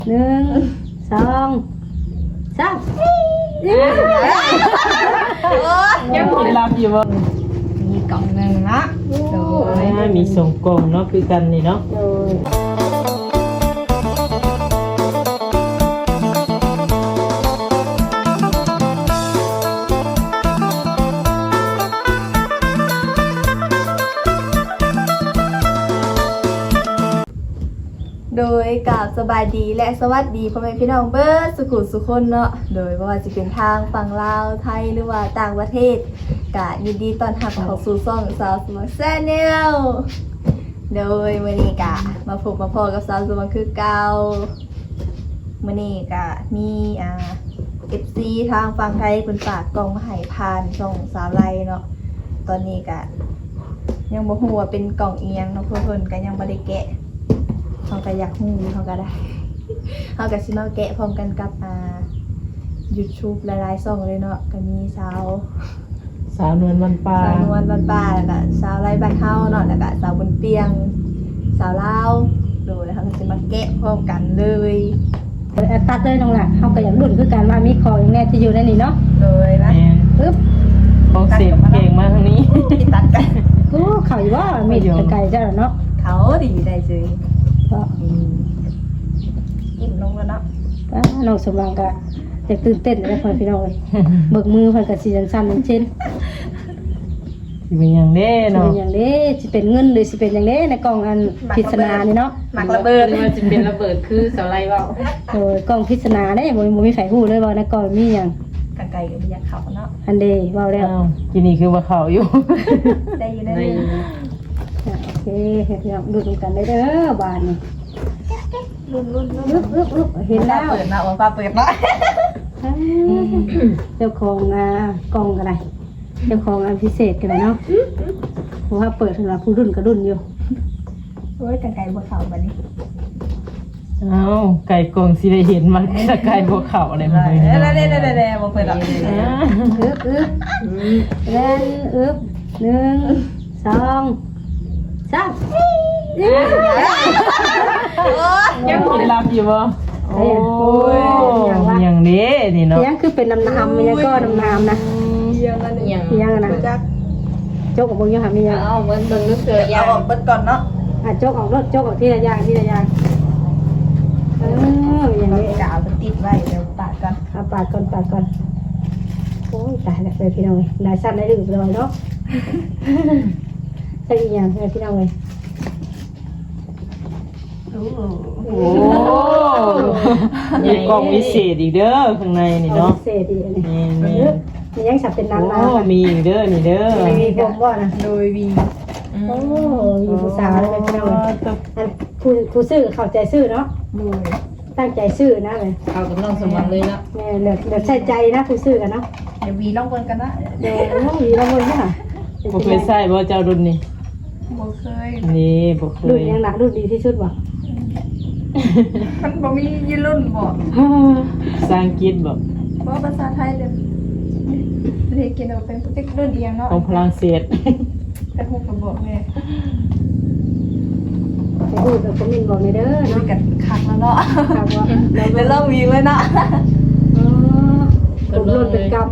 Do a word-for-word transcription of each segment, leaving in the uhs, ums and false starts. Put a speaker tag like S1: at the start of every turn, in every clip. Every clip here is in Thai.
S1: หนึ่งสองสาม
S2: ยังกินลำอยู่บ่
S3: มีกล่องหนึ่งเนาะโดย
S2: มีส่งกล่องเนาะคือกันนี่เนาะ
S1: โดยโดยกับสบายดีและสวัสดีพ่อแม่พี่น้องเบิร์ดสุขุสุคนเนาะโดยว่าจะเป็นทางฝั่งลาวไทยหรือว่าต่างประเทศกะยินดีต้อนรับเข้าสู่ช่องสาวสมัครแซ่เนลโดยมื้อนี้กะมาพบมาพอกับสาวสมัครคือเก่ามื้อนี้กะมีอ่า เอฟ ซี ทางฝั่งไทยเพิ่นฝากกล่องมาให้ผ่านช่องสาวไลเนาะตอนนี้กะยังบ่ฮู้ว่าเป็นกล่องเอียงเนาะเพิ่นก็ยังบ่ได้แกะเขาก็อยากฮู้เขาก็ได้เขาก็สิมาแกะพร้อมกันกับอ่า YouTube หลายๆช่องเลยเนาะก็มีสาว
S2: สาวนวลวันปลา
S1: สาวนวลบ้านป่าแล้วก็สาวไร่บ้านเฮาเนาะแล้วก็สาวบนเปียงสาวลาวดูแล้วเขาก็สิมาแกะพร้อมกันเลยตัดเลยน้องล่ะเขาก็อยากรุ่นคือกันว่ามีของอย่างแน่ที่อยู่ในนี้เนาะเลยนะ
S2: แม่น
S1: ปึ๊บ
S2: ของเสียบเก่งมาทางนี้
S1: ที่ตัดกันโอ้เขาอยู่ว่ามีดไกลๆจ้ะเนาะเขาดีได้เลยก็อิ่มลงแล้วเนาะน้องสมรังก็จะตื่นเต้นเลยพ่อพี่น้องเลยเบิกมือเพิ่นก็สิสั่นๆเช่น
S2: สิเป็นหยังเด้
S1: สิ
S2: เนาะ
S1: เป็นอย่างนี้สิเป็นเงินหรือสิเป็นอย่างนี้ในกล่องอันพิศนานี่เนาะหมักระเบิด
S2: หรือว่าจะเป็นระเบิดคือเสาไล่เว้า
S1: โอ้ยกล่องพิศนาได้บ่บ่มีไฟฮู้เลยว่าในกล่องมีหยัง
S3: กันไก่กับยาเขาเนาะ
S1: อันเดเว้าแล้ว
S2: อ้าวกินนี่คือว่าเขาอยู่
S3: ได้อยู่ได้
S2: ได้
S3: อยู่
S1: อ่ะโอเคพี่น้องดูดูกันได้เด้อบานนี่
S3: รุ่นรุ่นรุ่น
S1: อึ๊บอึ๊บอึ๊บเห็นแล้ว
S3: เปิดมาว่าฟ้าเปิดเนาะ
S1: เจ้าของอ่ากล่องก็ได้เจ้าของอันพิเศษก็ได้เนาะเพราะว่าเปิดสำหรับผู้รุ่นก็รุ่นอยู่
S3: โอ้ยกันไก่บนเขาบัดนี้
S2: เอ้าไก่กล่องสิได้เห็นมันจะไก่บ่เขาอะไรมา
S3: ได้
S2: เลย
S3: ได้ได้ได้ได้บ่เปิดหรอก
S2: อ่า
S1: อึ๊บอึ๊บเล่นอึ๊บหนึ่งสองสาม
S2: ยังกินลำอยู่บ่โอ้ยหยังเด้นี่เนาะ
S1: เสียงคือเป็นน้ำน้ำมันยังก็น้ำน้ำนะ
S3: เยี่ยมแล้วนี่
S1: มียังนะโจกออกบนยังหามียัง
S3: เอาเหมือนมันนึกเสือยเอาออกเปิดก่อนเนาะ
S1: อ่ะโจกออกรถโจกออกที่ละอย่างที่ละอย่างเอออย่างนี้
S3: กาวมันติดไว้เดี๋ยวปาดก่อน
S1: เอาปาดก่อนปาดก่อนโอ้ยตายแล้วเลยพี่น้องเลยได้สั้นได้ดึงเลยเนาะใช่อีกอย่างเลยพี่น้องเลย
S3: โอ้
S2: โอ้มีกล่องวิเศษอีกเด้อข้างในนี่เนาะ
S1: เศษดีอันนี้
S2: นี่นี่
S1: มียังสับเป็น
S2: โอ้
S1: น้ำน้ำ
S2: มีอีกเด้อนี่เด้อ
S1: มีผมว่านะ
S3: โดยวี
S1: โอ้มีผู้สาวเลยพี่น้องเลยอันผู้ผู้ซื้อเข้าใจซื้อเนาะ
S3: โดย
S1: ตั้งใจซื้อนะเลย
S3: เอากับน้องสมบัติเลยเนาะ
S1: แม่เหลือเหลือใส่ใจนะผู้ซื้อกันเนาะ
S3: เดี๋ยววีลองเบิ่งกันนะ
S1: เดี๋ยวน้องมีเราเลยค่ะ
S2: บ่เคยใส่บ่เจ้ารุ่นนี่
S3: บ่เคย
S2: นี่บ่เค
S1: รุ่น
S2: ย
S1: ยังหนักรุ่นดีที่สุดว่ะ
S3: มันบ่มียี่รุ่นบ่
S2: ภาษาอังกฤษบ่
S3: บ่ภาษาไทยเลยเรียกกินเอาเป็นติ๊กรุ่นเอียงเนาะ
S2: ของฝรั่งเศส
S3: แต่ฮู้ก็บอกแม่
S1: ไปพูดกับคอมเมนต์บอกในเด้อ
S3: คุ
S1: เนาะ
S3: ยกันคักแล้วเนาะ
S1: ครับว่า
S3: แล้วเริ่มวีเลยเนาะ
S1: ผมรุ่นเป็นกรรม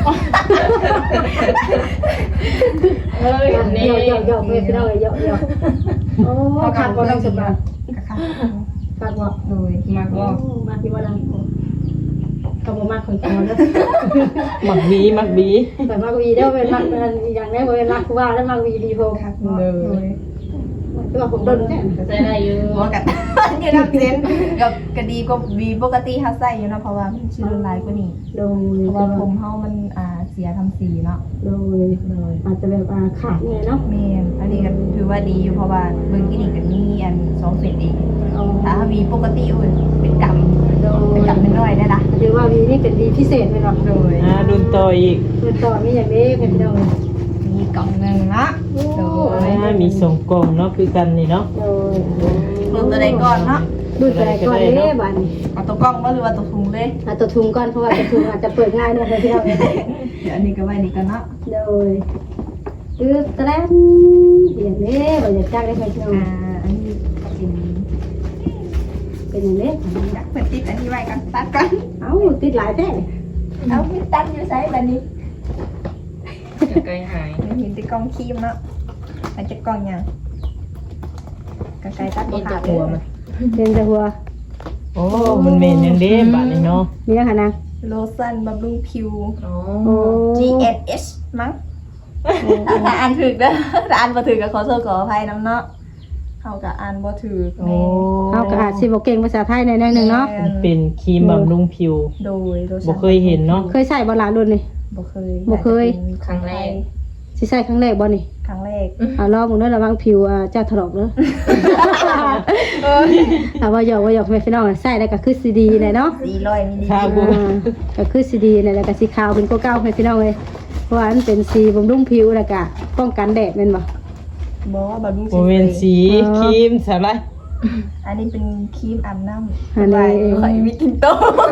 S2: เฮ้ย
S1: เยอะเยอะเยอะเพื่อนพี่น้องเลยเยอะเยอะโอ้ขาดบ่ต้องสบาย
S3: คัก
S1: ขาดบ่
S3: โดยมากบ่
S1: มาที่ว่าลังก็บ่มากคนก่อนแล้ว
S2: หมักบีหมักบี
S1: แต่มากวีเด้อเป็นมากอย่างนี้บ่เป็นมากว่าแล้วมากวีดีโพ
S3: คักบ่โดย
S1: คือว่าผมโดนแน่
S3: ใส่ได้อยู่บ่กันอยู่นำเซนกับก็ดีกว่าวีปกติเฮาใส่อยู่เนาะเพราะว่ามันสิรุนแรงกว่านี้
S1: โดย
S3: เพราะว่าผมเฮามันอ่าเสียทำสีเนาะ
S1: โดยอาจจะแบบขาดไงเนาะ
S3: แม่นอันนี้ก็ถือว่าดีอยู่เพราะว่าเบิ่งกินนี่ก็มีอันสองเศษเองถ้าเฮามีปกติอุ้ยเป็นกรรมเป็นกรรมน้อยๆได้ล่ะ
S1: ถือว่าวีนี่เป็นวีพิเศษไหมเนาะ
S3: โดย
S2: อ่ารุ่นต่ออีก
S1: คือต่อมีอย่างนี้เป็นพี่น้อง
S3: มีกล่องหนึงเนาะโดย
S2: อ่ามีส่งกล่องเนาะคือกันนี่เนาะ
S1: โดย
S3: รุ่นตัวใดก่อนเนาะ
S1: ดูแต่ก่อนเลยบัน
S3: เอาตัวกล้องบ่หรือว่าตัวถุงเลย
S1: เอาตัวทุงก่อนเพราะว่าตัวทุงอาจจะเปิดง่ายเนี่ยพี่น้อง
S3: เดี๋ยวอันนี้ก็ไว้นี่กันเนาะ
S1: โดยคือตะแลนเดี๋ยวนี้เราจะจ้างได้ไหมพี่น้อง
S3: อ่าอันนี้เป็น
S4: เป็นอย่างนี้
S3: อยากเปิดติดอันนี้ไว้กันตัดกัน
S4: เอ้าติดหลายแท้
S3: เอาพี่ตัดอยู่ไซส์แบบนี้
S2: ไกลหาย
S3: เห็นแต่กล้องครีมเนาะมันจะกล้องยังกระไกตัดบ่ขาดเลย
S4: เป็นจะหัว
S2: โอ้มันเมนยังเด้บาดนี่เนาะ
S4: มียังคะนาง
S3: โลชั่นบำรุงผิว
S4: โอ้
S3: จี เอ็น เอช มั้งถ้าอ่านถึกเด้อถ้าอ่านบ่ถึกก็ขอโทษขออภัยน้ำเนาะเฮาก็อ่านบ่ถึก
S2: โอ้
S4: เขาก็อาจสิบ่เก่งภาษาไทยในในหนึ่งเนาะ
S2: มันเป็นครีมบำรุงผิว
S3: โดยโลชั่น
S2: บ่เคยเห็นเนาะ
S4: เคยใส่บ่หลานรุ่นนี่
S3: บ่เคย
S4: บ่เคย
S3: ครั้งแรก
S4: สิใส่ครั้งแรกบ่นี่
S3: ครั้งแรก
S4: อ่าลองมึงเด้อระวังผิวอ่าเจ้าถลอกเด้ออ่าว่าหยอกว่าหยอกแม่พี่น้องใส่แล้วก็คือสิดีแหละเนาะ
S3: สี่ร้อยมิลลิ
S2: ครั
S3: ลิ
S2: บ
S3: ตร
S4: อ่าก็คือสีดีเนี่ยแล้วก็สีขาวเป็นโกเก้าให้พี่น้องเลยเพราะว่ามันเป็นสีบำรุงผิวแล้วก็ป้องกันแดดแม่นบ่
S3: บ่ว่าบำรุง
S2: บ่แม่นสีครีมสอะไร
S3: อันนี้เป็นครีมอาบน้ำ
S4: อันนี้
S3: ข่อยมีกินโต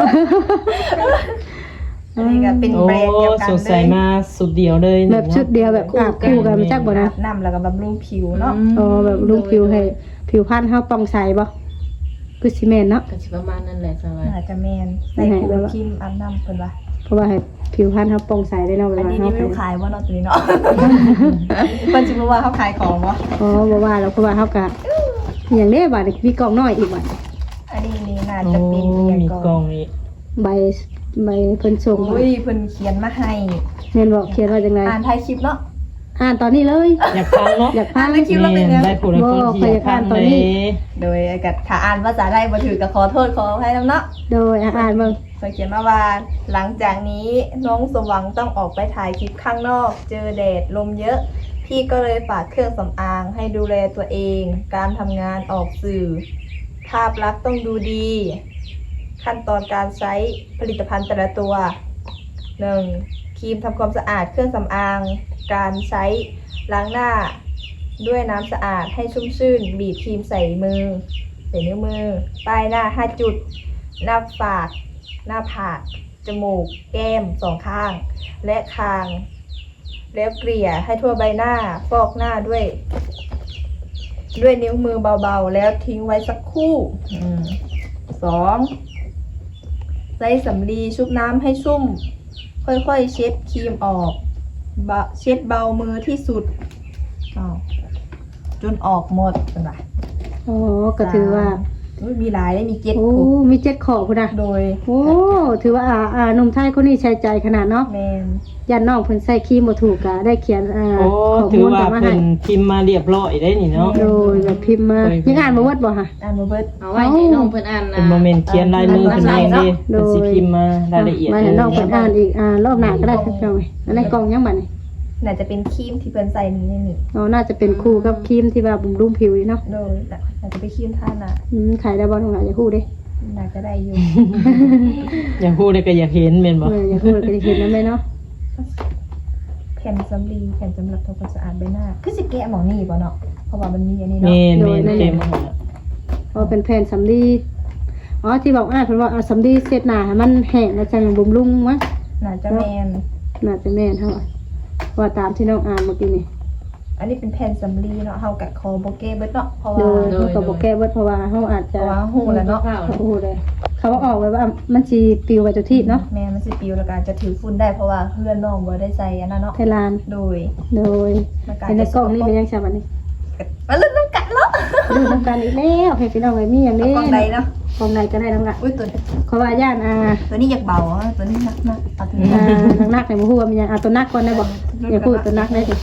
S3: อันนี้ก็เป็น
S2: โอ้
S3: แบรนด์เดียวกัน
S2: สด
S3: เล
S2: ใส
S3: ย
S2: มาสุดเดียวเลย
S4: แบบชุดเดียวแบบอาบคู่กันมาจักบ่นะ
S3: อาบน้ำแล้วก็บำรุงผิวเนาะ
S4: อ๋อแบบบำรุงผิวให้ผิวพรรณเฮาป้องใสบ่คือสิแม่นเนาะ
S5: ก็สิประมาณนั้นแหละสบาย
S3: น่าจะแมนใส่คู่กับครีมอาบน้ำเพิ่นว่า
S4: เพราะว่าให้ผิวพรรณเฮาป้องใสได้เนาะเว
S3: อัน
S4: ลา
S3: นี้
S4: เฮา
S3: นี่ไม่รู้ขายว่าเนาะตัวนี้เนาะเพิ่นสิรู้ว่าเขาขายของบ่
S4: อ๋อบ่ว่าแล้วเพราะว่าเฮาก็อย่างนี้บัดนี้มีกล่องน้อยอีกบัด
S3: อันนี้นี่น่า
S2: โอ้
S3: จะเป็นเรียน
S2: มี
S3: ก่
S2: กล่
S3: อ
S2: อน งอีก
S4: ใบใบเพิ่นส่งมา
S3: อุ้ยเพิ่นเขียนมาให้
S4: แม่นบอกเขียนว่าจังได๋
S3: อ่านท้ายคลิปเนาะ
S4: อ่านตอนนี้เลย
S2: อยากฟังเนาะ
S4: อยากฟัง
S3: อ่านแล้วคิดว่าเป็นไง
S2: ได้ผู้ใดคนที่อยากฟังเลย
S3: โดยกับถ้าอ่านภาษาไทยบ่ถือก็ขอโทษขออภัยนํเนาะ
S4: โดยอ่ะอ่านเบิ่ง
S3: เพิ่นเขียนมาว่าหลังจากนี้น้องสมหวังต้องออกไปถ่ายคลิปข้างนอก เจอแดดลมเยอะ พี่ก็เลยฝากเครื่องสำอางให้ดูแลตัวเอง การทำงานออกสื่อ ภาพลักษณ์ต้องดูดี ขั้นตอนการใช้ผลิตภัณฑ์แต่ละตัว หนึ่ง ครีมทำความสะอาดเครื่องสำอาง การใช้ล้างหน้า ด้วยน้ำสะอาดให้ชุ่มชื่น บีบครีมใส่มือ ใส่นิ้วมือ ป้ายหน้าห้าจุด หน้าปาก หน้าผาก จมูก แก้มสองข้าง และคาง แล้วเกลี่ยให้ทั่วใบหน้า ฟอกหน้าด้วย ด้วยนิ้วมือเบาๆ แล้วทิ้งไว้สักครู่อืมสองใช้สำลีชุบน้ำให้ชุ่ม ค่อยๆเช็ดครีมออกบะเช็ดเบามือที่สุดอ้าวจนออกหมดเป็นไร
S4: อ๋อก็ถือว่า
S3: อุ๊ยมีหลายได้มีเจ็ด
S4: โอ้
S3: ผูก
S4: มีเจ็ดขอพุ่นน่ะ
S3: โดย
S4: โอ้ ถือว่าอ่าอ่าหนุ่มไทยคนนี้ใช้ใจขนาดเนาะ
S3: แมน
S4: ยันน้องเพิ่นใส่ครีมบ่ถูกก็ได้เขียนอ่า
S2: โอ้
S4: ข้อ
S2: ถื
S4: มู
S2: อ
S4: ล
S2: ว่า
S4: ต่อมา
S2: เป็
S4: ให้
S2: นพิมพ์มาเรียบร้อยได้นี่เนาะ
S4: โดยแบบพิมพ์มา
S2: เคยพิมพ์
S4: ยังอ่านบ่เวิดบ่ฮะ
S3: อ่านมาเบิด
S5: เอาไว้ให้น้องเพิ่นอ่านนะ
S2: เป็นโมเมนต์เขียนลายมือเป็นเองดิเป็นสิพิมพ์มารายละเอียด
S4: มา
S2: เล
S4: ให้
S2: ย
S4: น้องเพิ่นอ่านอีกอ่ารอบหน้าก็ได้ครับพี่น้องเอ้ยอันนี้กล่องยังบัดนี่
S3: น่าจะเป็นครีมที่เพิ่นใส่นี่นี่นี่
S4: อ๋อน่าจะเป็นคู่กับครีมที่ว่าบำรุงผิวนี่เนาะ
S3: โดยน่าจะเป็นครีมท่าน่ะ
S4: อืมขายได้บ่น้องหลานอย่าฮู้เด้
S3: น่าจะได้อยู่
S2: อยากพูดเลยก็อยากเห็นเป็นบ่
S4: เอออย่าฮู้ก็จะเห็นนำแม่เนาะ
S3: แผ่นสำลีแผ่นสำหรับทำความสะอาดใบหน้าคือสิแกะหมองนี่บ่เนาะเพราะว่ามันมีอันนี้
S2: เม
S3: เนาะ
S2: นเมนเต็มหมด
S4: เพราะเป็นแผ่นสำลีอ๋อที่บอกอ่านเพิ่นว่าเอาสำลีเช็ดหน้าให้มันแห้งแล้วจังบำรุงวะ
S3: น่าจะแมน
S4: น่าจะแม่นเฮาอะเพราะว่าตามที่น้องอ่านเมื่อกี้นี่
S3: อันนี้เป็นแผ่นสำลีเนาะเฮากัดคอโบเก้เบิดเนาะเพราะ
S4: โด
S3: ว่าย
S4: เฮาก็บ่แก้เบิดเพราะว่าเฮาอาจ
S3: เพ
S4: จะ
S3: ราะว่าหูแล้วเนาะ
S4: โอ้โหเลยเขาว่าออกไว้ว่ามันสิปลิวไปทุกที่เนาะ
S3: แม่มันสิปิวแล้วก็จะถือฝุ่นได้เพราะว่าเพื่อนน้องบ่ได้ใส่อันนั้นเนาะ
S4: ไทยลาน
S3: โดย
S4: โดย
S3: มันก็
S4: ในในกล่องนี่เป็นยังไงบัดนี้
S3: มาลุ้นน้ำกัดเนาะ
S4: ดูน้ำกันอีกแล้วให้พี่น้องไว้มีอย่าง
S3: เอา
S4: นี้
S3: กล่องใดเนาะ
S4: กล่องใดก็ได้น้องละ
S3: อุ้ยตัว
S4: เขาว่าย่านอ่า
S3: ตัวนี้อยากเบาอ่ะตัวนี้หนักนะเอาตัวนี้
S4: อ่านักๆในบ่ฮู้ว่ามันยังเอาตัวนักก่อนได้บ่อย่าพูดตัวนักได้ดิ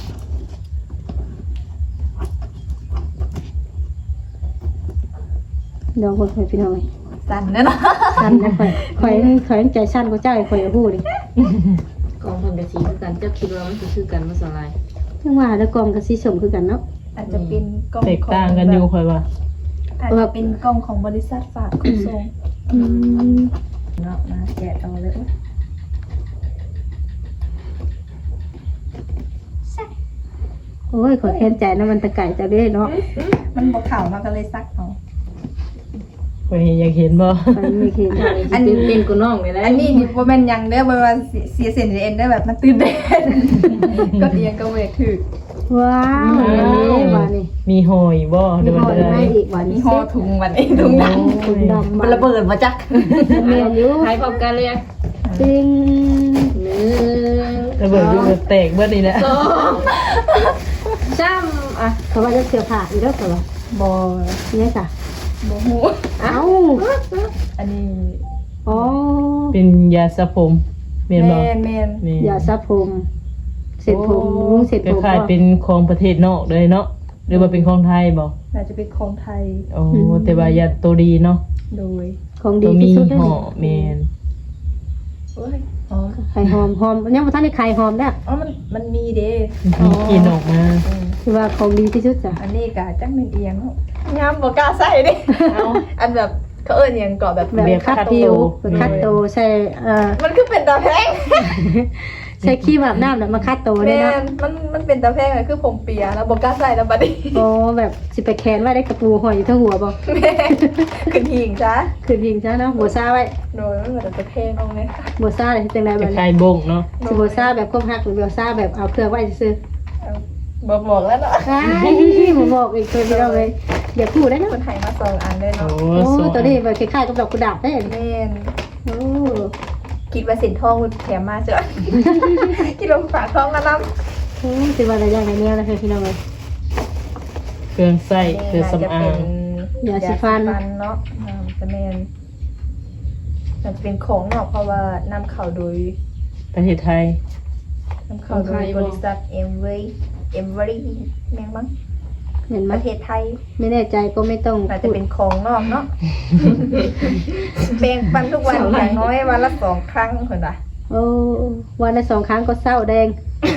S4: เดี๋ยวคนให้พี่น้องไว้
S3: สั่นเนาะ
S4: สั้นนะข่อยข่อยข่อยยังใจสั้นกว่าเจ้าไอ้ข่อยอย่าพูดดิ
S5: กองเพิ่นก็สีคือกันเจ้าคิดว่ามันสิคือกันบ่สลาย
S4: จังว่าแล้วกล่องก็สิส่งคือกันเนาะ
S3: อาจจะเป็นกล้อง
S2: แตกต่างกันอยู่ค่อยว่า
S3: อาจจะเป็นกล้องของบริษัทฝากขนส่ง
S4: อืม
S3: เนาะมาแกะเอาเลย
S4: โอ้ยขอแค้นใจนะมันตะไก่จะได้เนาะ
S3: มันบ่เข่ามาก็เลยซักเอา
S2: ค่อยอยากเห็นบ่
S4: ข่อยไม่เห็น
S5: อันนี้สิตื่นเต้นกว่าน้องเลยแหละ
S3: อันนี้นี่บ่แม่นหยังเด้อบ่ว่าเสียเสียเส้นเอ็นได้อแบบมันตื่นเต้น ก็เอียงก็เวทถึก
S4: ว้าวนี่ว่านี่
S2: มีหอยบ่
S4: มี
S2: เดี๋ยว
S4: ห
S2: มัน
S4: อย
S2: ได้
S4: ให้อีกว่า
S3: มี
S4: นี่
S3: ห่อถุงวันนี้ถุงดำ
S4: ถุงดำ
S5: มันระเบิดมาจัก
S4: เมียอยู่
S5: หายพร้อมกันเลย
S4: จริง
S5: หนึ่ง
S2: ระเบิดดูแบบแตกเบิดนี่แหละ
S5: สองสามอ่ะ
S4: เขาว่าจะเสียผ่าอีกแล้วเหรอ
S3: บ่
S4: เนี่ยจ้ะ
S3: บ่ฮู้
S4: เอ้า
S3: อันนี้
S4: อ๋อ
S2: เป็นยาสระผมเมียนบ่
S3: แม่นแม่น
S2: แม่น
S4: อย่าสระผมเสร็จผมลุงเสร็จ
S2: ก็
S4: ผม
S2: คล้ายเป็นของประเทศนอกเลยเนาะหรือว่าเป็นของไทยบ่
S3: น่าจะเป็นของไทย
S2: โอ้แต่ว่ายาตัวดีเนาะ
S3: โดย
S4: ของ
S2: ตั
S4: ดี
S2: วมี
S4: ที่สุดเลย
S2: ห่อแม่น
S3: เอ้ยอ๋อ
S4: ไข่หอมหอมยังบ่ทันได้ไข่หอมเด้อ
S3: อ๋อมันมันมีเด้
S2: มีกลินออกมา
S3: อืม
S4: คือว่าของดีที่สุดจ้ะ
S3: อันนี้ก็จังเป็นเอียงเนาะงามบ่กล้าใส่เด้เอาอันแบบเขาเอิ้นหยังเกาะแบบ
S4: แบบคัดผิวแบบคัดโตใส่เอ่อ
S3: มันคือเป็นตาแพง
S4: ใช้ครีมอาบน้ำแล้วมาคัดโตได้
S3: แม่
S4: เนาะ
S3: นมันมันเป็นตาแพงอะคือผมเปียแล้วบ่กล้าใส่แล้วบัดนี้
S4: โอ้แบบสิไปแขวนไว้ได้กระปูหอยอยู่ทั้งหัวบ่
S3: แม่ขึ้นหิงจ้ะ
S4: คือพิงซะเนาะบ่ซ่าไว้
S3: โดยมันเหมือนตาแพงเอาไง
S4: บ่ซ่าเลยจังได๋
S2: ค
S4: แบบนี้
S2: ล้ายๆบงเนาะ
S4: สิบ่ซ่าแบบควบฮักหรือบ่ซ่าแบบเอาเครื่องไว้ซื่อ
S3: เอาบ่บอกแล้วเนาะ
S4: ๆใช่บ่บอกอีกตัวเดียวเลยอย่าพูดได้เนาะ
S3: คนไทยมาสองอันเลย
S2: โอ้
S3: เนาะ
S4: โอ้
S2: สวย
S4: ตัวนี้แบบคล้ายๆกับดอกกุหลาบได้
S3: แม่น
S4: โอ้
S3: คิดว่าสินทองมันแถมมาเจ้ะ คิดว่าฝากทองมานำ
S4: โหสิว่าอะไรอย่างไรเนี่ยนะพี่น้องเอ้ย
S2: เครื่องใส่เครื่องสำอาง
S4: ยาสีฟัน
S3: เนาะอ่าจะแม่นมันจะเป็นของเนาะเพราะว่านำเข้าโดย
S2: ประเทศไทย
S3: นำเข้าโดยบริษัทเอ็มเวย์เอ็มเวย์แม่งมั้ง
S4: เห็นไหม
S3: ประเทศไทย
S4: ไม่แน่ใจก็ไม่ต้อง
S3: อาจจะ
S4: พูด
S3: เป็นของนอกเนาะ แปรงฟันทุกวันอย่างน้อยวันละสองครั้งคนละ
S4: โอ้วันละสองครั้งก็เศร้าแดง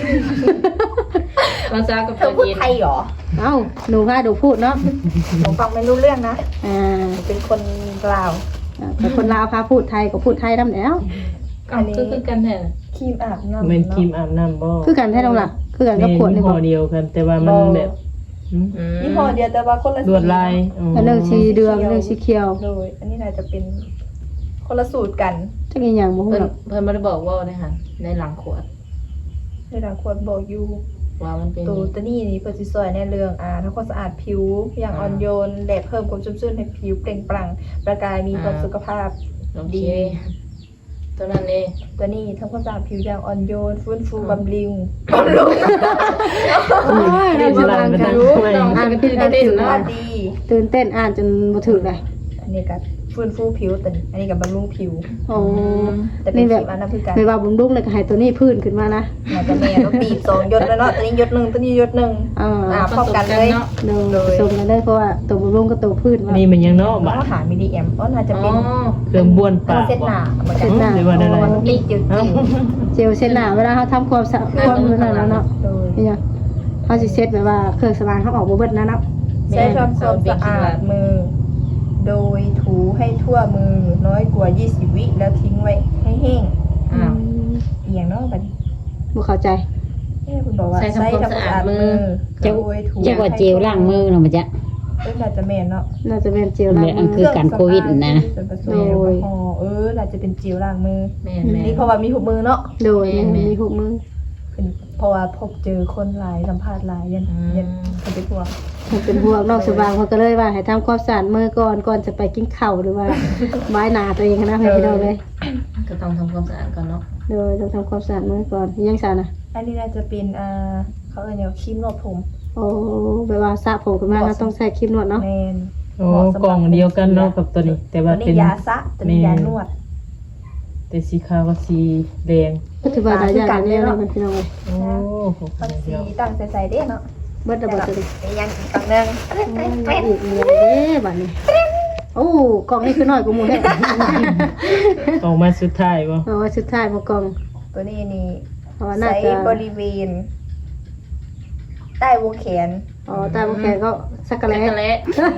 S5: ภาษากับ
S3: เธอพูดไทยเหรอ
S4: เอ้าหนูพาดูพูดเนาะ
S3: หนูฟังไม่รู้เรื่องนะ
S4: อ่า
S3: หนูเป็นคนลาว
S4: แต่คนลาวพาพูดไทยก็พูดไทยนำแล้ว
S5: อันนี้คือกันแท้
S3: ครีมอาบน้ำ
S2: แม่น
S3: เนาะ
S2: ครีมอาบน้ำบ่
S4: คือกันแท้น้องล่ะคือกัน
S2: แม่
S4: กับ
S2: น
S4: ขวด
S2: ยี่
S4: นี่
S2: ห้
S4: บ่
S2: อเดียวกัน แต่ว่ามันแบบหืม
S3: ยี่ห้อเดียวแต่ว่าคนละ
S2: ลวดลายอ๋อ
S4: อันหนึงสีเดืองอันหนึงสีเขียว
S3: โดยอันนี้น่าจะเป็นคนละสูตรกัน
S4: จักอีหยังบ่ฮู้
S5: เพิ่น
S4: หรอก
S5: เพิ่นไม่ได้บอกว่าในหันในหลังขวด
S3: ในทางควรบอกอยู่
S5: ว่ามันเป็น
S3: ตัวตัวนี้นี่เพื่อสิซอยในเรื่องอ่าทำความสะอาดผิวอย่างอ่อนโยนและเพิ่มความชุ่มชื่นให้ผิวเปล่งปลั่งประกายมีความสุขภาพ
S5: โอเคตัวนั้นเอง
S3: ตัวนี้ทำความสะอาดผิวอย่างอ่อนโยนฟื้นฟูบำรุงบำรุง
S4: โอ้ยได้บ่บางกัน
S2: ไม่
S4: อ่านผิดอ่าน
S3: ได้
S4: ถู
S3: สุ
S4: ก
S3: ขภา
S4: นะ
S3: พดี
S4: ตื่นเต้นอ่านจนบ่ถูกเลย
S3: อันนี้ก็ฟื้นฟูผิวตัวนี้อันนี้ก็บำรุงผิว
S4: โอ้
S3: แต่เป็น
S4: นี่
S3: ค
S4: แบ
S3: รี
S4: บ
S3: มอันนั้นคือกัน
S4: ไม่ว่าบุ้มดุ้งเลยก็ให้ตัวนี้พื้นขึ้นมานะ
S3: น่าจะแม่ต้องบีบสองหยดแล้วเนาะตัวนี้หยดหนึ่งตัวนี้หยดหนึ่ง
S4: อ่า
S3: อ่าพร้อมกันเลย
S5: เนาะ
S4: โดยผสมกันเลยเพราะว่าตัวบุ้มดุ้งกับตัวพื้นว่า
S2: นี่มันยังเนาะ
S3: น้
S2: บา
S3: อง
S2: ด
S3: หามิลลิแอมก็น่าจะ
S5: อ๋
S3: เป็
S5: อน
S2: เครื่องบ้วนปาก
S3: เส้นหนาเหมือน
S4: เส้
S3: กัน
S4: นหนา
S2: หรือว่าอะไร
S3: มันมีจืด
S2: เอ้า
S4: เจลเช็ดหน้าเวลาเขาทำความสะอาดความมือนั่นแล้วเนาะ
S3: โดย
S4: นี่ยังเขาสิเช็ดแบบว่าเครื่องสำอางเขาออกบ่เบิดนะเนาะ
S3: ใช้ทำความสะอาดมือ โดยถูให้ทั่วมือน้อยกว่า ยี่สิบ วิแล้วทิ้งไว้ให้แห้ง
S5: อ้าว
S3: เอียงเนาะบัดนี้
S4: บ่เข้าใจ
S3: เอ๊ะคุณบอกว่า
S5: ใช้ทำความสะอาดมือ
S3: โดยถู
S6: เจ้าว่าเจลล้างมือเนาะมันจะ
S3: เอ้ยน่าจะแม่นเนาะ
S4: น่าจะเป็นเจลล้าง
S6: แบบอั
S4: มื
S6: น
S4: อ
S6: คือการโควิดนะ
S3: ส่วนผสมแอลกอฮอล์เออน่าจะเป็นเจลล้างมือ
S5: แม่นแม่
S3: นี่เพราะว่ามีหุบมือเนาะ
S4: โดยมีหุบมือ
S3: เป็นเพราะว่าพบเจอคนหลายสัมภาษณ์หลายยันยันเขาไปพวก
S4: มันเป็นพวกนอกสว่างเขาก็เลยว่าให้ทำความสะอาดมือก่อนก่อนจะไปกินข้าวหรือว่าไม้หนาตัวเองนะให้พี่น้องเลย
S5: ก็ต้องทำความสะอาดก่อนเนาะ
S4: โดยต้องทำความสะอาดมือก่อนยังสานะ
S3: อันนี้น่าจะเป็นอ่าเขาเอ่ยเนี่ยครีมนวดผม
S4: โอ้แบบว่าสระผมขึ้นมาเราต้องใส่ครีมนวดเนาะ
S3: แมน
S2: โอ้กล่องเดียวกันเนาะกับตัวนี้ แต่
S3: ตัว
S2: ว่า
S3: นี้
S2: เป็น
S3: ยาสระตัวนี้ยานวด
S2: แต่สีขาวกับสีแดง
S4: ก็ถือว่าหลายอย่างเนี่ยเราเป็นพี่น้องเลย
S2: โอ้โห
S3: มันสีต่างใส่ๆเด้เนาะ
S4: เบิดระ
S3: แต่
S4: เบิด
S3: แบบ
S4: ตัวนี้
S3: มียังอีกฝั่งหนึง
S4: อีกเงี้ยเด้บัดนี้โอ้กล่องนี้คือน้อยกว่าหมู่แท้
S2: ออกมาสุดท้ายบ่
S4: เอาไว้สุดท้ายมากล่อง
S3: ตัวนี้นี่
S4: เพราะว่าน่า
S3: ใส่
S4: จะ
S3: บริเวณ ใต้วงแขน
S4: อ๋อใต้บุแขนก็สักกะ
S5: แล้
S4: แล
S5: วแหละ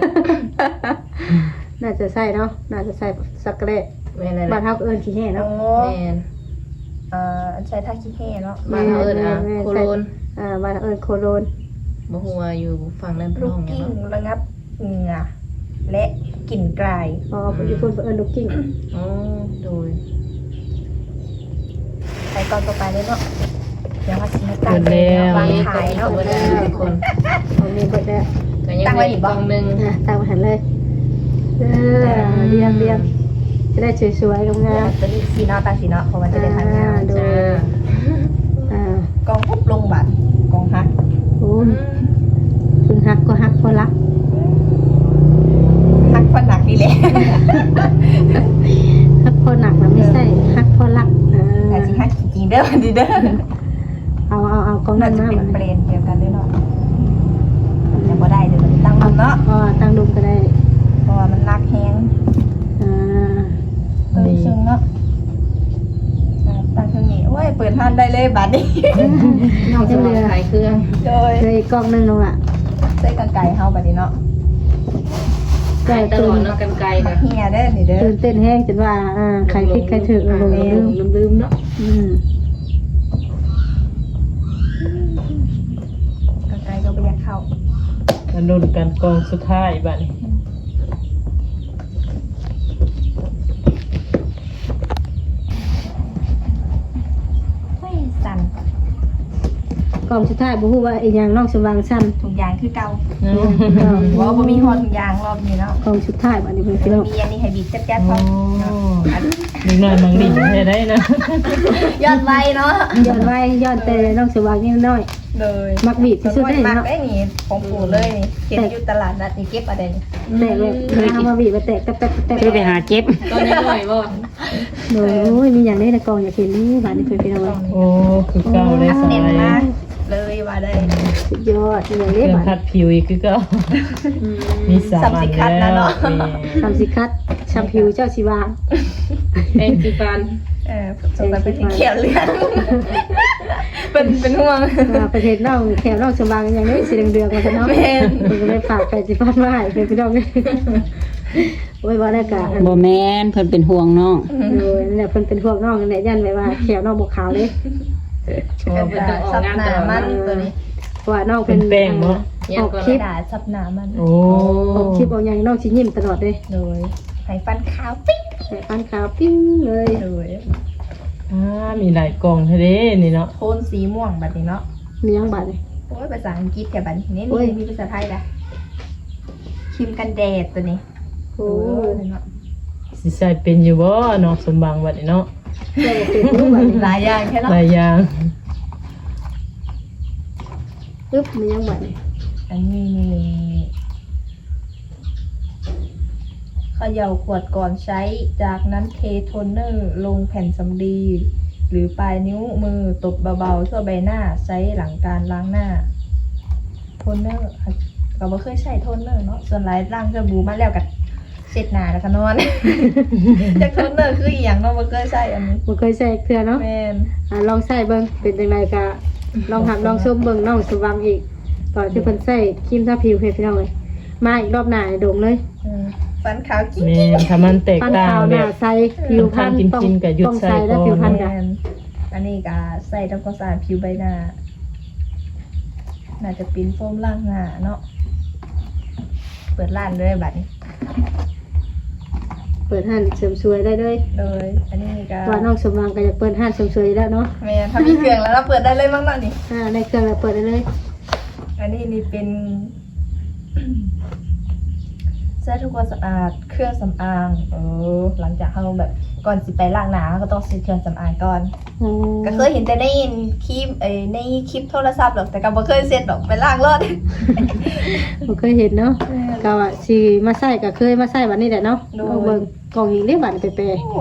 S4: น่าจะใส่เนาะน่าจะใส่สักกะแล
S5: แม่นเลย
S4: บ้านเฮาก็เอิ้นขี้แห่
S3: โอ้
S4: เนาะ
S5: แม่น
S3: อ่าใช้ท่าขี้แห่เนาะ
S5: บ้านเราเอิ้นอ่ะโคโลน
S4: อ่าบ้านเฮาเอิ้นโคโลน
S5: บ่ฮู้ว่าอยู่ฝั่งนั้นเป็น
S3: ลูก
S5: ห้องหยัง
S3: กิ้ง
S5: เนาะ
S3: ระงับเหงื่อและกลิ่นกลาย
S4: อ๋อญี่ปุ่นเอิ้นลูกกิ้ง
S5: อ๋อโดย
S3: ใส่ก่อนต่อไปเลยเนาะเดี๋ยวมาสิมาตั้งเลยวางขายเนาะ
S5: เบิดแล้วทุกคน
S4: เอาเมนเบิดแล้ว
S5: ก็ยังเหลืออีกกล่องหนึง
S4: อ่ะตั้งมาหันเลยเออเรียงเรียงจะได้สวยๆงาม
S3: ตัวนี้สีเนาะตาสีเนาะเพราะว่า
S4: ๆ
S3: จะได้ทานงาน
S4: ดู
S5: จ้า
S4: อ่าก
S3: องปุ๊บลงบัตรกองฮัก
S4: โอ้ยพึงฮักก็ฮักพอรัก
S3: ฮักฟันหนักนี่แหละ
S4: ฮักพอหนักนะไม่ใช่ฮักพอรักอ่
S3: แต่
S4: า
S3: สิฮักจริงๆเด้อดีเด้อ
S4: เอาเอาเอากอง
S3: น่า
S4: นั้น
S3: จะ
S4: มา
S3: เป็น
S4: บัด
S3: เบร
S4: นี้
S3: นเดียวกันด้วยเนาะแต่บ่ได้เดี๋ยวมันตั้งลงเนาะ
S4: อ๋อตั้งดุมก็ได้
S3: เพราะว่ามันนักแฮง
S4: อ่า
S3: เออซึ่งเนาะอ่าตั้งเครื่องนี้โอ้ยเปิดห้านได้เลยบัดนี้
S5: น้องสมองขายเครื่อง
S3: โดย
S4: เลยกองหนึงลงอ่ะ
S3: ใส่กางไก่เฮาบัดนี้เนาะ
S5: ขายตลอดเนาะกันไกลก็
S3: เฮียเด้อนี่เด้อ
S4: ตื่นเต้นแห้งจนว่าอ่าใครคิดใครถึงเราลืม
S5: ลืมๆเนาะ
S4: อืม
S3: กางไก่ก็บ่อยากเข้า
S2: มันรุ่นกันกองสุดท้ายบัดนี้
S3: เฮ้ยสั่น
S4: กองสุดท้ายบ่ฮู้ว่าอีหยังนอกสว่างสั้น
S3: ถุงยางคือเก่า
S2: อืม
S3: ว่าบ่มีฮอดถุงยางรอบนี้เนาะ
S4: กองสุดท้ายบัดนี้เพิ่นพี่น้อง
S3: มีอันนี้ให้บีบจัดๆพ
S2: โอ้
S3: อ
S2: นิดหน่อยมังดิให้ได้นะ
S3: ยอดไวเนาะ
S4: ย้อนไว้ย้อนแต่นอกสว่างนิดหน่อย
S3: เลย
S4: มักบีบที่สุดได้
S3: มัก
S4: เนาะ
S3: ได้นี่ของปู่เลยนี่เก็บอยู่ตลาดนัดนี่เก็บอะไรนี่
S4: แตกเลยเอามาบีบมาแตกแตกแตกแตก
S6: คือไปหาเจ็บ
S5: ตอนนี้หน่อยบ่
S4: โอ้ยมีอย่างนี้ในกองอยากเห็นนี่บัดนี้เพิ่นพี่น้อง
S2: โอ้คือเก่าได้
S3: อัน
S2: สา
S3: เน้น
S2: ย
S3: มากเลยว่าได้
S4: สุดยอดอย่าง
S2: เค
S4: นี้
S2: รื่อง
S4: บัด
S2: คัดผิวอีกคือเก่ามีสามอันแล้วนี่
S4: ทำสิคัดชัมพิวเจ้าชีวา
S5: แองจีฟัน
S3: เออสงสัยเป็นที่เขียวเลือดเป็นเป็นห่วง
S4: อ่าประเทศน้องแถวน้องสว่างอย่างนี้สีเหลืองๆมาซะเนาะ
S3: แม่น
S4: เพิ่นก็เลยฝากไก่สิพัดมาให้เพิ่นพี่น้องโอ้ยบ่ได้กะอัน
S6: บ่แม่นเพิ่นเป็นห่วงน้อง
S4: โดยนั่นแหละเพิ่นเป็นพวกน้องนั่นแหละยันไว้ว่าแขวน้องบ่ขาวเลย
S3: ซับหนามันตัวนี้
S4: เพราะว่าน้อง
S2: เป็
S4: เป็น น
S2: แป้งเนาะ
S4: ออกคลิป
S3: ด่าซับหนามัน
S2: โอ้
S4: ออกคลิปเอาอย่างน้องสิยิ้มตลอดเลย
S3: โดยให้ฟันขาวปิ๊ง
S4: แต่ฟันขาวปิ้งเลย
S3: โดย
S2: อ่ามีหลายกล่องเท่าเด้นี่เนาะ
S3: โทนสีม่วงแบบนี้เนาะ
S4: มียังบาดเลย
S3: โอ้ยภาษาอังกฤษแถวบันนี่
S4: โอ้ย
S3: นี่มีภาษาไทยนะครีมกันแดดตัวนี้
S4: โอ้
S3: โอ้
S4: ย
S3: ยเนาะ
S2: สิใส่เป็นอยู่บ่เนาะสมบังบัดนี้เนาะ
S4: เจ้าบ่เป็นรู้บาดนี้
S3: หลายอย่างแค่เนาะ
S2: หลายอย่าง
S4: ปึ๊บมียังบาดเลย
S3: อันนี้นี่เขย่าขวดก่อนใช้จากนั้นเทโทนเนอร์ลงแผ่นสำลีหรือปลายนิ้วมือตบเบาๆทั่วใบหน้าใช้หลังการล้างหน้า โทนเนอร์ค่ะเราไม่เคยใช้โทนเนอร์เนาะส่วนหลายล้างสบู่มาแล้วกับเช็ดหน้าแล้วก็นอน จากโทนเนอร์คืออีหยังเนาะไม่เคยใช้อันนี้
S4: บ่เคยใส่เทื่อเนาะ
S3: แมน
S4: อ่าลองใส่เบิ่งเป็นจังไดก็ลองหักลองชมเบิ่งน้องสว่างอีกตอนที่เพิ่นใส่ครีมทาผิวให้พี่น้องเลยมาอีกรอบหน้าให้โด่งเลย
S3: อืมฟันขาวกิ๊ก
S2: แม่นถ้ามันแตก
S4: ฟัน
S2: ต่าง
S4: ขาวห
S2: แบ
S4: น้า
S2: บ
S4: ใสผิวพรรณ
S2: กิน
S4: ต้อง
S2: กินกับหยุด
S4: ต้อง
S2: ใส่
S4: ใส่และ
S2: ก่อน
S4: ผิวพรรณ
S3: แม
S4: ก็
S3: นอันนี้ก็ใส่ทำความสะอาดผิวใบหน้า น่าจะปิ้นโฟมล้างหน้าเนาะ เปิดร้านเลยบัดนี้
S4: เปิดห้านเสริมสวยได้เลย
S3: โดย อันนี้ก็
S4: ว่าน้องสมวางก็จะเปิดห้านเสริมสวยแล้วเนาะ
S3: แมนถ้ามีเครื่องแล้วเราเปิดได้เลยมั้งเนาะนี่
S4: อ่าในเครื่องเราเปิดได้เลย
S3: อันนี้นี่เป็น ใช้ทำความสะอาดเครื่องสำอางเออหลังจากเราแบบก่อนสิไปล้างหน้าเราก็ต้องซื้อเครื่องสำอางก่อน
S4: อ๋อ
S3: ก็เคยเห็นแต่ในคลิปเอ้ยในคลิปโทรศัพท์หรอกแต่ก็บ่เคยเซ็ตหรอกไปล้างรถ
S4: บ่เคยเห็นเนาะก็ว่าสิมาใส่ก็เคยมาใส่บัดนี้แหละเนาะ
S3: โดย
S4: เอาเบิ่งกล่องอีกเรียกบัดไปแปร
S3: โอ้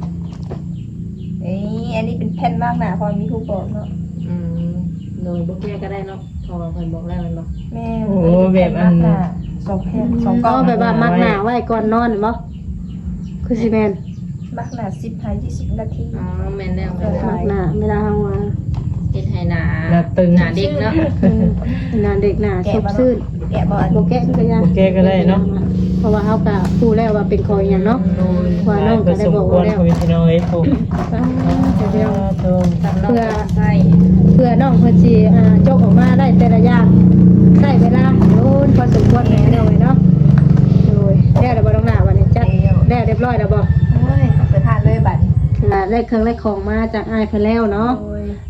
S3: นี่อันนี้เป็นแผ่นมากหนาพอมีผู้บอกเนาะ
S5: อืมโดยบ่แก้ก็ได้เนาะพอเพิ่นบอกแล้วแมันบ่
S3: แม่
S2: โอ้แบบอัน
S3: หนาสองแผ่นสองกล่
S4: ก็
S3: อง
S4: แบบว่ามักหน้าไว้ก่อนนอนเห็นบ่คือสิแม่น
S3: มากหนาสิบถึงยี่สิบนาที
S5: อ๋อแม่นแล้ว
S3: เออ
S4: มักหน้าเวลาเฮาว่า
S5: เฮ็ดให้หน้า
S2: หน้าตึง
S5: หน้าเด็กเนาะ
S4: เออหน้าเด็กหน้าซบซื่น
S3: แกะบอล
S4: บ่แกะก็ยัง
S2: บ่แก้ก็ได้เนาะ
S4: เพราะว่าเฮาก็รู้แล้วว่าเป็นคอยหยังเนาะ
S2: โดย
S4: ว่าน้องก็ได้บอกว่าแล้ว
S2: สมควรคุยพี่น้องเอ้ยโต
S4: อ่าเดี๋ยว
S2: โต
S5: สำหรับใส่
S4: เพื่อน้องเพิ่นสิอ่าจกออกมาได้แต่ละอย่างใช้เวลาโดนพอสมควรแน่เลยเนาะโดยแล้วเดี๋ยวบ่ต้องหน้าวันนี้จัดแล้วเรียบร้อยแล้วบ่
S3: โอ้ยเปิดทานเลยบัตร
S4: อ่าได้เครื่องได้ของมาจากอ้ายเพิ่นแล้วเนาะ
S3: โอ้ย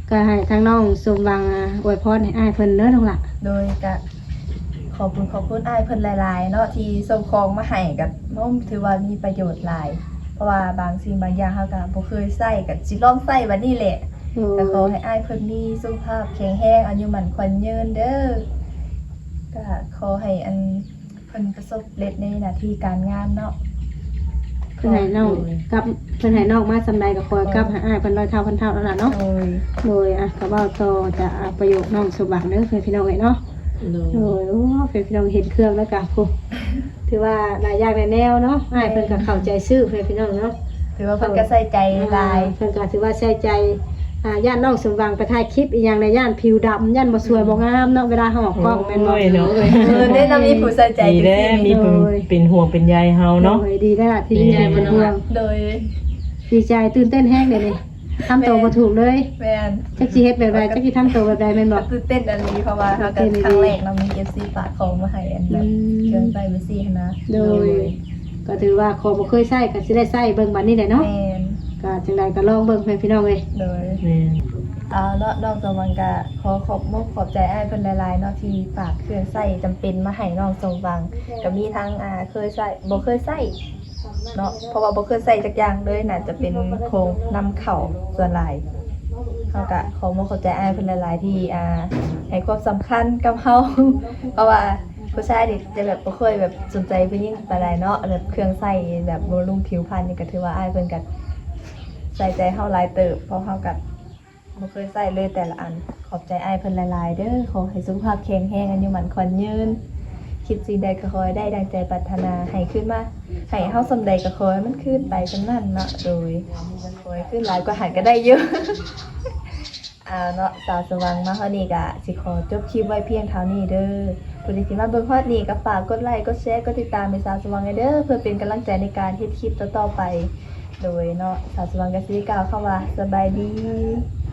S4: ก็ให้ทางน้องสมหวังอ่าอวยพรให้อ้ายเพิ่นเด้อน้องล่ะ
S3: โดยกะขอบคุณขอบคุณอ้ายเพิ่นหลายๆเนาะที่ส่งของมาให้กับน้องถือว่ามีประโยชน์หลาย เพราะว่าบางสิ่งบางอย่างเฮาก็บ่เคยใช้ก็สิลองใช้บัดนี้แหละ
S4: โอ้
S3: ก็ขอให้อ้ายเพิ่นมีสุขภาพแข็งแรงอายุมั่นขวัญยืนเด้อก็ขอให้อันเพิ่นประสบเร็จในหน้าที่การงานเนาะ
S4: เพิ่นให้น้องกลับเพิ่นให้น้องมาสำใดก็คอยกลับหาอ้ายเพิ่นร้อยเท่าพันเท่าแล้วล่ะเนาะ
S3: โอ้ย
S4: โดยอ่ะก็เว้าต่อจะอ่ะประโยคน้องสมหวังเด้อเพิ่นพี่น้องเอ้ยเนาะ
S5: โดย
S4: โอ้ยโอ้เพิ่นพี่น้องเห็นเครื่องแล้วก็ผู้ถือว่าหลายอย่างหลายแนวเนาะอ้ายเพิ่นก็เข้าใจซื้อเพิ่นพี่น้องเนาะ
S3: ถือว่าเพิ่นก็ใส่ใจหลาย
S4: เพิ่นก็ถือว่าใส่ใจอ่าย่านน้องสมหวังไปถ่ายคลิปอีหยังในย่านผิวดำย่านบ่สวยบ่งามเนาะเวลาเฮาออกกล้องแม่นบ่
S2: โอ้ยเนาะ
S3: เออได้นำมีผู้ใส่ใจ
S2: ดี
S3: จริ
S2: แล้
S3: ง
S2: มีเพิ่นเป็นห่วงเป็นใยเฮาเนาะ
S4: โอ้ยดีแล้วล่ะที่มีเป็นห่วง
S3: ๆโดย
S4: ดีใจตื่นเต้นแฮงเด้นี่ทำตัวบ่ถูกเลย
S3: แม่น
S4: จักสิเฮ็ดแบบใดจักสิทำตัวแบบใดแม่นบ่
S3: ตื่นเต้นอันนี้เพราะว่าเขาก็ครั้งแรกเรามี เอฟ ซี ฝากของมาให้อันแบบ
S4: อืม
S3: เครื่องใส่เบซี่นะ
S4: โดย ก็ถือว่าขอบ่เคยใช้ก็สิได้ใช้เบิ่งบัดนี้แหละเนาะ
S3: แม่น
S4: ก็จังไดก็ลองเบิ่งเพิ่นพี่น้องเอ้ย
S3: โดย
S2: แม่น
S3: เอาเนาะนอกจากมันก็ขอขอบมกขอบใจอ้ายเพิ่นหลายๆเนาะที่ฝากเครื่องใส่จำเป็นมาให้น้องสมหวังก็มีทั้งอ่าเคยใส่บ่เคยใส่เนาะเพราะว่าบ่เคยใส่จักอย่างเลยน่าจะเป็นโครงนำเข้าส่วนหลายเฮาก็ขอมกขอบใจอ้ายเพิ่นหลายๆที่อ่าให้ความสำคัญกับเฮา เพราะว่าผู้ชายนี่จะแบบบ่เคยแบบสนใจผู้หญิงปานใดเนาะแบบเครื่องใส่แบบบำรุงผิวพรรณนี่ก็ถือว่าอ้ายเพิ่นก็ใส่ใจเฮาหลายเติบเพราะเฮาก็ บ่เคยใส่เลยแต่ละอันขอบใจอ้ายเพิ่นหลายๆเด้อขอให้สุขภาพแข็งแรงอายุมันขวัญยืนคิดสิ่งใดก็ขอให้ได้ดังใจปรารถนาให้ขึ้นมาให้เฮาสำใดก็ขอให้มันขึ้นไปจังนั้นเนาะโดยขอให้ขึ้นหลายกว่าหันก็ได้เยอะ อ่าเนาะสาวสว่างมาเฮานี่ก็สิขอจบคลิปไว้เพียงเท่านี้เด้อผู้ใดสิมาเบิ่งฮอดนี้ก็ฝากกดไลค์กดแชร์กดติดตามให้สาวสว่างเด้อเพื่อเป็นกำลังใจในการเฮ็ดคลิปต่อๆไป โดยเนาะสาวสว่างก็สิกล่าวคำว่าสบายดี